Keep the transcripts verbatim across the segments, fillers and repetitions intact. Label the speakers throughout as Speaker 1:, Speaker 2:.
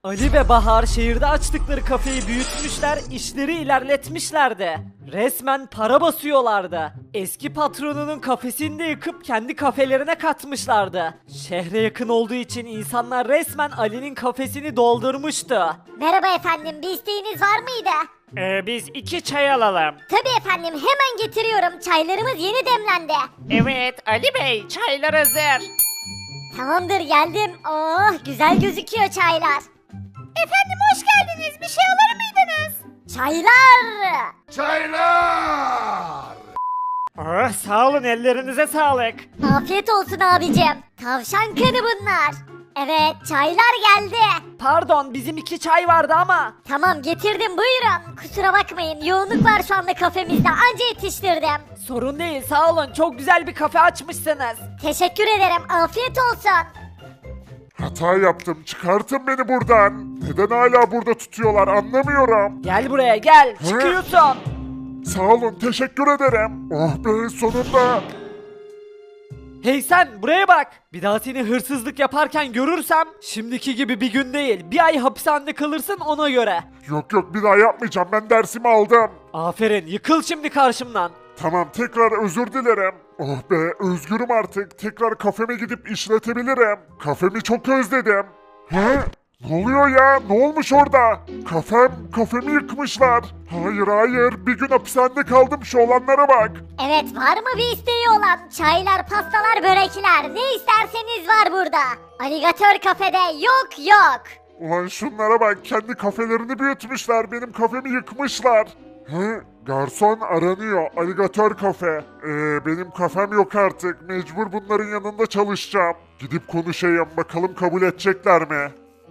Speaker 1: Ali ve Bahar şehirde açtıkları kafeyi büyütmüşler, işleri ilerletmişlerdi. Resmen para basıyorlardı. Eski patronunun kafesini de yıkıp kendi kafelerine katmışlardı. Şehre yakın olduğu için insanlar resmen Ali'nin kafesini doldurmuştu.
Speaker 2: Merhaba efendim, bir isteğiniz var mıydı?
Speaker 1: Ee, biz iki çay alalım.
Speaker 2: Tabii efendim, hemen getiriyorum. Çaylarımız yeni demlendi.
Speaker 1: Evet Ali Bey, çaylar hazır.
Speaker 2: Tamamdır, geldim. Oh, güzel gözüküyor çaylar. Efendim hoş geldiniz. Bir şey alır mıydınız? Çaylar.
Speaker 3: Çaylar!
Speaker 1: Oh, sağ olun, ellerinize sağlık.
Speaker 2: Afiyet olsun abicim. Tavşan kanı bunlar. Evet, çaylar geldi.
Speaker 1: Pardon, bizim iki çay vardı ama.
Speaker 2: Tamam, getirdim, buyurun. Kusura bakmayın, yoğunluk var şu anda kafemizde. Anca yetiştirdim.
Speaker 1: Sorun değil, sağ olun, çok güzel bir kafe açmışsınız.
Speaker 2: Teşekkür ederim. Afiyet olsun.
Speaker 3: Hata yaptım. Çıkartın beni buradan. Neden hala burada tutuyorlar anlamıyorum.
Speaker 1: Gel buraya gel, çıkıyorsun.
Speaker 3: Sağ olun, teşekkür ederim. Oh be, sonunda.
Speaker 1: Hey sen, buraya bak. Bir daha seni hırsızlık yaparken görürsem şimdiki gibi bir gün değil, bir ay hapishanede kalırsın ona göre.
Speaker 3: Yok yok, bir daha yapmayacağım. Ben dersimi aldım.
Speaker 1: Aferin, yıkıl şimdi karşımdan.
Speaker 3: Tamam, tekrar özür dilerim. Oh be, özgürüm artık. Tekrar kafeme gidip işletebilirim. Kafemi çok özledim. He? Ne oluyor ya? Ne olmuş orada? Kafem, kafemi yıkmışlar. Hayır hayır, bir gün hapishanede kaldım, şu olanlara bak.
Speaker 2: Evet, var mı bir isteği olan? Çaylar, pastalar, börekler. Ne isterseniz var burada. Aligatör kafede yok yok.
Speaker 3: Ulan şunlara bak, kendi kafelerini büyütmüşler, benim kafemi yıkmışlar. He? Garson aranıyor, aligatör kafe. Ee, benim kafem yok artık, mecbur bunların yanında çalışacağım. Gidip konuşayım, bakalım kabul edecekler mi?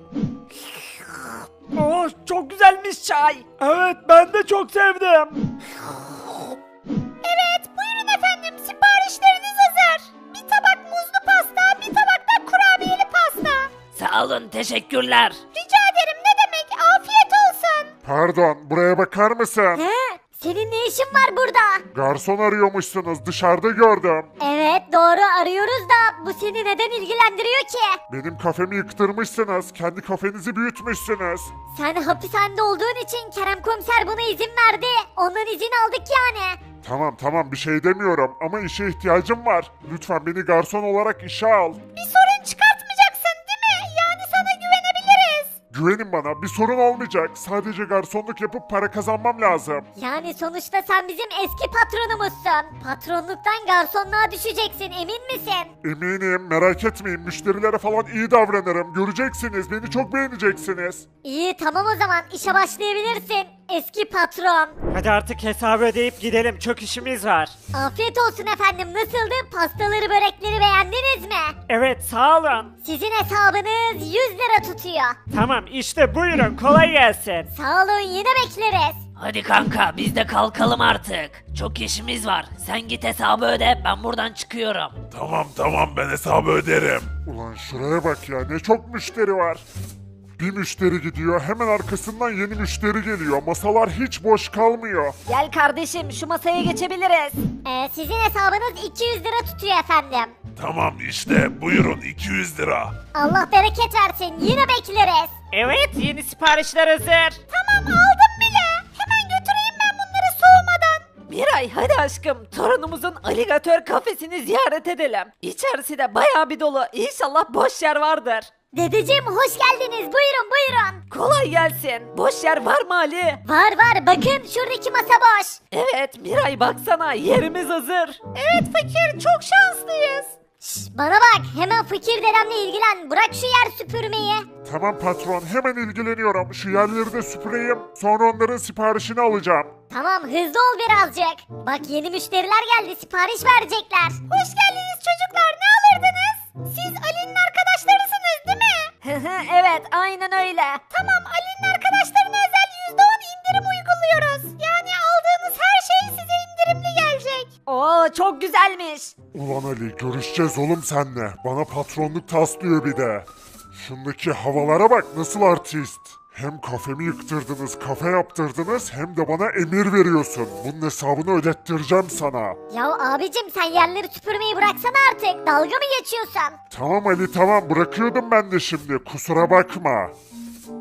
Speaker 1: Oh, çok güzelmiş çay. Evet, ben de çok sevdim.
Speaker 2: Evet, buyurun efendim, siparişleriniz hazır. Bir tabak muzlu pasta, bir tabak da kurabiyeli pasta.
Speaker 1: Sağ olun, teşekkürler.
Speaker 2: Rica ederim, ne demek, afiyet olsun.
Speaker 3: Pardon, buraya bakar mısın?
Speaker 2: He? Senin ne işin var burada?
Speaker 3: Garson arıyormuşsunuz, dışarıda gördüm.
Speaker 2: Evet, doğru arıyoruz da bu seni neden ilgilendiriyor ki?
Speaker 3: Benim kafemi yıktırmışsınız, kendi kafenizi büyütmüşsünüz.
Speaker 2: Sen hapishanede olduğun için Kerem komiser buna izin verdi. Ondan izin aldık yani.
Speaker 3: Tamam tamam, bir şey demiyorum ama işe ihtiyacım var. Lütfen beni garson olarak işe al.
Speaker 2: Bir sorun çıkartmayacaksın değil mi? Yani sana güvenebiliriz.
Speaker 3: Güvenin bana, bir sorun olmayacak. Sadece garsonluk yapıp para kazanmam lazım.
Speaker 2: Yani sonuçta sen bizim eski patronumuzsun. Patronluktan garsonluğa düşeceksin, emin misin?
Speaker 3: Eminim, merak etmeyin, müşterilere falan iyi davranırım. Göreceksiniz, beni çok beğeneceksiniz.
Speaker 2: İyi, tamam o zaman işe başlayabilirsin. Eski patron.
Speaker 1: Hadi artık hesabı ödeyip gidelim, çok işimiz var.
Speaker 2: Afiyet olsun efendim, nasıldı? Pastaları, börekleri beğendiniz mi?
Speaker 1: Evet, sağ olun.
Speaker 2: Sizin hesabınız yüz lira tutuyor.
Speaker 1: Tamam, işte buyurun, kolay gelsin.
Speaker 2: Sağ olun, yine bekleriz.
Speaker 4: Hadi kanka biz de kalkalım artık. Çok işimiz var. Sen git hesabı öde, ben buradan çıkıyorum.
Speaker 3: Tamam tamam, ben hesabı öderim. Ulan şuraya bak ya, ne çok müşteri var. Bir müşteri gidiyor, hemen arkasından yeni müşteri geliyor. Masalar hiç boş kalmıyor.
Speaker 2: Gel kardeşim, şu masaya geçebiliriz. Ee, sizin hesabınız iki yüz lira tutuyor efendim.
Speaker 3: Tamam işte, buyurun iki yüz lira.
Speaker 2: Allah bereket versin, yine bekleriz.
Speaker 1: Evet, yeni siparişler hazır.
Speaker 2: Tamam, aldım bile. Hemen götüreyim ben bunları soğumadan.
Speaker 1: Miray, hadi aşkım, torunumuzun aligatör kafesini ziyaret edelim. İçerisi de bayağı bir dolu, İnşallah boş yer vardır.
Speaker 2: Dedeciğim hoş geldiniz, buyurun buyurun.
Speaker 1: Kolay gelsin. Boş yer var mı Ali?
Speaker 2: Var var, bakın şuradaki masa boş.
Speaker 1: Evet Miray, baksana, yerimiz hazır.
Speaker 2: Evet fakir, çok şanslıyız. Şş, bana bak, hemen fakir dedemle ilgilen, bırak şu yer süpürmeyi.
Speaker 3: Tamam patron, hemen ilgileniyorum. Şu yerleri de süpüreyim, sonra onların siparişini alacağım.
Speaker 2: Tamam, hızlı ol birazcık. Bak yeni müşteriler geldi, sipariş verecekler. Hoş geldiniz çocuklar, ne alırdınız? Siz Ali'nin arkadaşlarısınız değil mi?
Speaker 1: Evet, aynen öyle.
Speaker 2: Tamam, Ali'nin arkadaşlarına özel yüzde on indirim uyguluyoruz. Yani aldığınız her şey size indirimli gelecek.
Speaker 1: Oo, çok güzelmiş.
Speaker 3: Ulan Ali, görüşeceğiz oğlum senle. Bana patronluk taslıyor bir de. Şundaki havalara bak, nasıl artist. Hem kafemi yıktırdınız, kafe yaptırdınız, hem de bana emir veriyorsun. Bunun hesabını ödettireceğim sana.
Speaker 2: Ya abicim, sen yerleri süpürmeyi bıraksana artık. Dalga mı geçiyorsun?
Speaker 3: Tamam Ali tamam, bırakıyordum ben de şimdi, kusura bakma.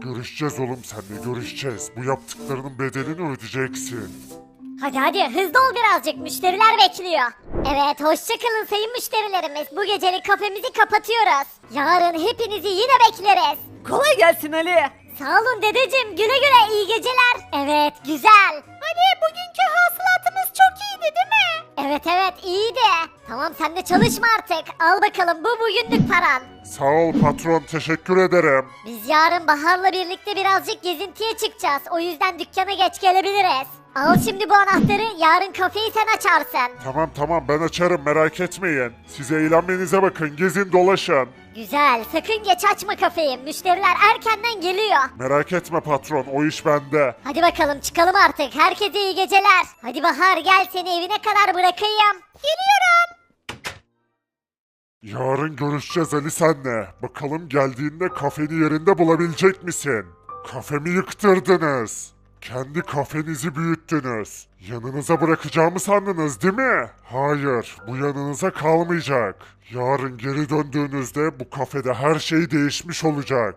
Speaker 3: Görüşeceğiz oğlum seninle görüşeceğiz. Bu yaptıklarının bedelini ödeyeceksin.
Speaker 2: Hadi hadi hızlı ol birazcık, müşteriler bekliyor. Evet, hoşça kalın sayın müşterilerimiz. Bu gecelik kafemizi kapatıyoruz. Yarın hepinizi yine bekleriz.
Speaker 1: Kolay gelsin Ali.
Speaker 2: Sağ olun dedeciğim, güle güle, iyi geceler. Evet, güzel. Ali, bugünkü hasılatımız çok iyiydi değil mi? Evet evet, iyiydi. Tamam, sen de çalışma artık. Al bakalım, bu bugünlük paran.
Speaker 3: Sağ ol patron teşekkür ederim.
Speaker 2: Biz yarın Bahar'la birlikte birazcık gezintiye çıkacağız. O yüzden dükkana geç gelebiliriz. Al şimdi bu anahtarı, yarın kafeyi sen açarsın.
Speaker 3: Tamam tamam ben açarım merak etmeyin. Siz eğlenmenize bakın gezin dolaşın.
Speaker 2: Güzel, sakın geç açma kafeyi. Müşteriler erkenden geliyor.
Speaker 3: Merak etme patron o iş bende.
Speaker 2: Hadi bakalım çıkalım artık. Herkese iyi geceler. Hadi Bahar, gel seni evine kadar bırakayım. Geliyorum.
Speaker 3: Yarın görüşeceğiz Ali senle. Bakalım geldiğinde kafeni yerinde bulabilecek misin? Kafemi yıktırdınız. Kendi kafenizi büyüttünüz. Yanınıza bırakacağımı sandınız değil mi? Hayır, bu yanınıza kalmayacak. Yarın geri döndüğünüzde bu kafede her şey değişmiş olacak.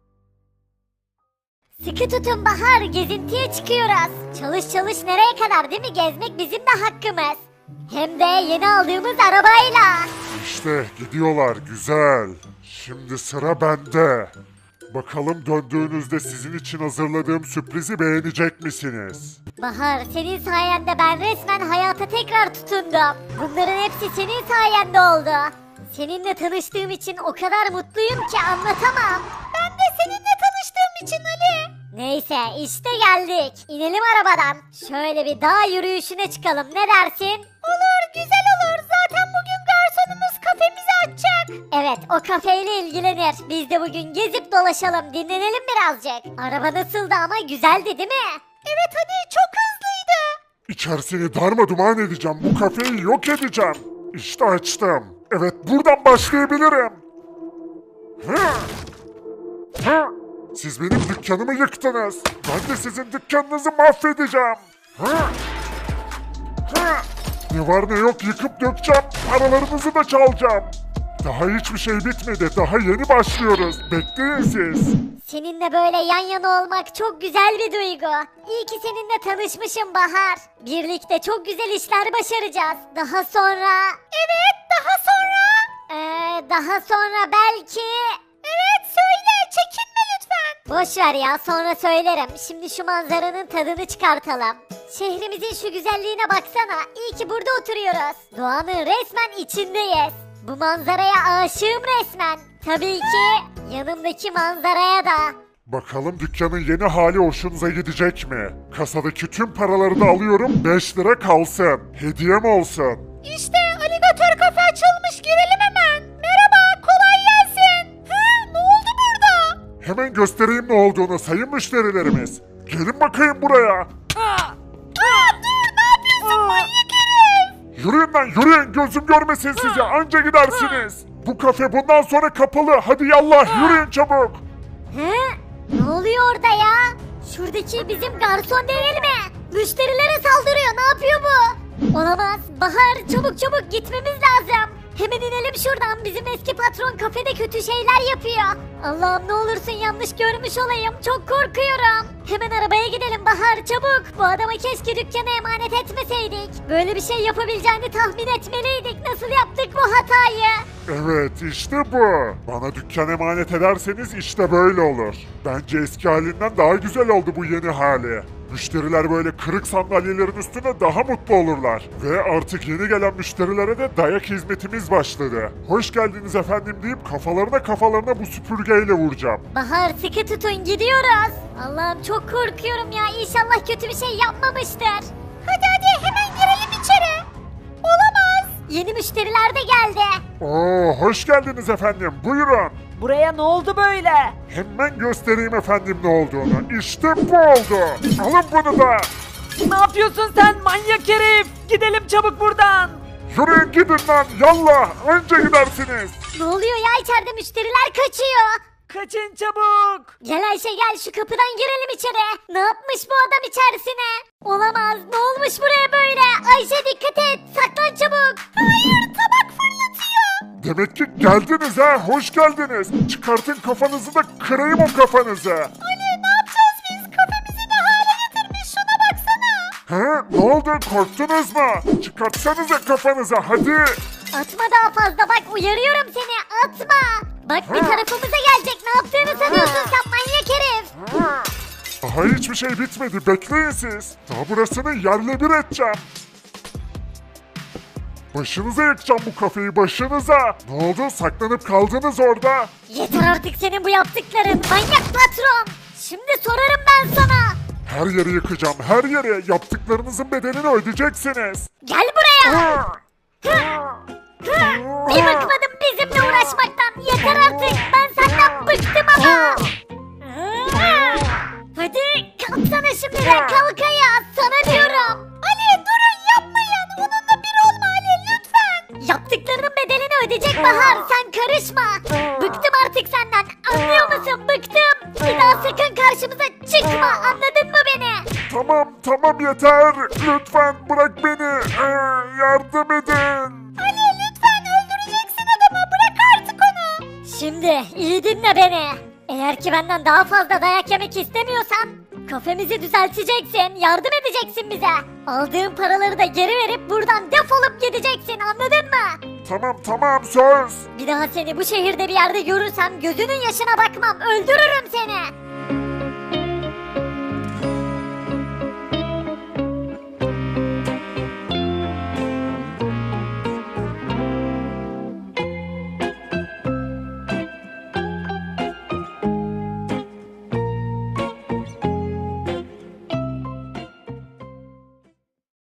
Speaker 2: Sıkı tutun Bahar, gezintiye çıkıyoruz. Çalış çalış nereye kadar değil mi? Gezmek bizim de hakkımız. Hem de yeni aldığımız arabayla.
Speaker 3: İşte gidiyorlar güzel. Şimdi sıra bende. Bakalım döndüğünüzde sizin için hazırladığım sürprizi beğenecek misiniz?
Speaker 2: Bahar, senin sayende ben resmen hayata tekrar tutundum. Bunların hepsi senin sayende oldu. Seninle tanıştığım için o kadar mutluyum ki anlatamam. Ben de seninle tanıştığım için Ali. Neyse işte geldik. İnelim arabadan. Şöyle bir dağ yürüyüşüne çıkalım, ne dersin? Olur, güzel olur. Zaten bugün garsonumuz kafemizi açacak. Evet, o kafeyle ilgilenir. Biz de bugün gezip dolaşalım, dinlenelim birazcık. Araba nasıldı ama, güzeldi değil mi? Evet hadi, çok hızlıydı.
Speaker 3: İçerisini darmadağın edeceğim. Bu kafeyi yok edeceğim. İşte açtım. Evet buradan başlayabilirim. Hı. Hı. Siz benim dükkanımı yıktınız. Ben de sizin dükkanınızı mahvedeceğim. Hı. Hı. Ne var ne yok yıkıp dökeceğim. Paralarınızı da çalacağım. Daha hiçbir şey bitmedi. Daha yeni başlıyoruz. Bekleyin siz.
Speaker 2: Seninle böyle yan yana olmak çok güzel bir duygu. İyi ki seninle tanışmışım Bahar. Birlikte çok güzel işler başaracağız. Daha sonra... Evet, daha sonra... Ee, daha sonra belki... Evet, söyle, çekinme lütfen. Boş ver ya, sonra söylerim. Şimdi şu manzaranın tadını çıkartalım. Şehrimizin şu güzelliğine baksana. İyi ki burada oturuyoruz. Doğanın resmen içindeyiz. Bu manzaraya aşığım resmen. Tabii ki yanımdaki manzaraya da.
Speaker 3: Bakalım dükkanın yeni hali hoşunuza gidecek mi? Kasadaki tüm paraları da alıyorum. beş lira kalsın. Hediyem olsun.
Speaker 2: İşte aligatör kafe açılmış, girelim hemen. Merhaba, kolay gelsin. Hı, ne oldu burada?
Speaker 3: Hemen göstereyim ne olduğunu sayın müşterilerimiz. Gelin bakayım buraya.
Speaker 2: Aa, dur, ne yapıyorsun manyak herif?
Speaker 3: Yürüyün lan yürüyün gözüm görmesin sizi anca gidersiniz. Bu kafe bundan sonra kapalı. Hadi yallah yürüyün çabuk.
Speaker 2: He? Ne oluyor orada ya? Şuradaki bizim garson değil mi? Müşterilere saldırıyor, ne yapıyor bu? Olamaz. Bahar, çabuk çabuk gitmemiz lazım. Hemen inelim şuradan, bizim eski patron kafede kötü şeyler yapıyor. Allah'ım ne olursun yanlış görmüş olayım, çok korkuyorum. Hemen arabaya gidelim Bahar, çabuk. Bu adama keşke dükkanı emanet etmeseydik. Böyle bir şey yapabileceğini tahmin etmeliydik. Nasıl yaptık bu hatayı?
Speaker 3: Evet işte bu. Bana dükkan emanet ederseniz işte böyle olur. Bence eski halinden daha güzel oldu bu yeni hali. Müşteriler böyle kırık sandalyelerin üstünde daha mutlu olurlar. Ve artık yeni gelen müşterilere de dayak hizmetimiz başladı. Hoş geldiniz efendim deyip kafalarına kafalarına bu süpürgeyle vuracağım.
Speaker 2: Bahar, sıkı tutun, gidiyoruz. Allah'ım çok korkuyorum ya, İnşallah kötü bir şey yapmamıştır. Hadi hadi hemen girelim içeri. Olamaz. Yeni müşteriler de geldi.
Speaker 3: Oo hoş geldiniz efendim buyurun.
Speaker 1: Buraya ne oldu böyle?
Speaker 3: Hemen göstereyim efendim ne olduğunu. İşte bu oldu. Alın bunu da.
Speaker 1: Ne yapıyorsun sen manyak herif? Gidelim çabuk buradan.
Speaker 3: Yürüyün gidin lan yallah anca gidersiniz.
Speaker 2: Ne oluyor ya, içeride müşteriler kaçıyor.
Speaker 1: Kaçın çabuk.
Speaker 2: Gel Ayşe gel, şu kapıdan girelim içeri. Ne yapmış bu adam içerisine? Olamaz, ne olmuş buraya böyle? Ayşe dikkat et, saklan çabuk. Hayır, tabak fırlatıyor.
Speaker 3: Demek ki geldiniz ha, hoş geldiniz. Çıkartın kafanızı da kırayım o kafanızı.
Speaker 2: Ali ne yapacağız biz? Kafemizi ne hale getirmiş şuna baksana.
Speaker 3: He, ne oldu, korktunuz mu? Çıkartsanıza kafanızı hadi.
Speaker 2: Atma daha fazla bak uyarıyorum seni atma. Bak bir tarafımıza gelecek ne yaptığını sanıyorsun sen manyak herif.
Speaker 3: Daha hiçbir şey bitmedi, bekleyin siz. Daha burasını yerle bir edeceğim. Başınıza yakacağım bu kafeyi, başınıza. Ne oldu, saklanıp kaldınız orada?
Speaker 2: Yeter artık senin bu yaptıkların manyak patron. Şimdi sorarım ben sana.
Speaker 3: Her yeri yıkacağım, her yeri. Yaptıklarınızın bedelini ödeyeceksiniz.
Speaker 2: Gel buraya. Bir bıkmadım bizimle uğraşmaktan. Yeter artık. Ben senden bıktım ama. Hadi kalksana şimdi de kalk ayağa. Sana diyorum. Ali durun yapmayın. Onunla bir olma Ali lütfen. Yaptıklarının bedelini ödeyecek Bahar. Sen karışma. Bıktım artık senden. Anlıyor musun? Bıktım. Bir daha sakın karşımıza çıkma. Anladın mı beni?
Speaker 3: Tamam, tamam yeter. Lütfen bırak beni. Ee, yardım edin.
Speaker 2: Ali lütfen öldüreceksin adamı bırak artık onu. Şimdi iyi dinle beni. Eğer ki benden daha fazla dayak yemek istemiyorsan kafemizi düzelteceksin, yardım edeceksin bize. Aldığın paraları da geri verip buradan defolup gideceksin anladın mı?
Speaker 3: Tamam, tamam, söz.
Speaker 2: Bir daha seni bu şehirde bir yerde görürsem gözünün yaşına bakmam öldürürüm seni.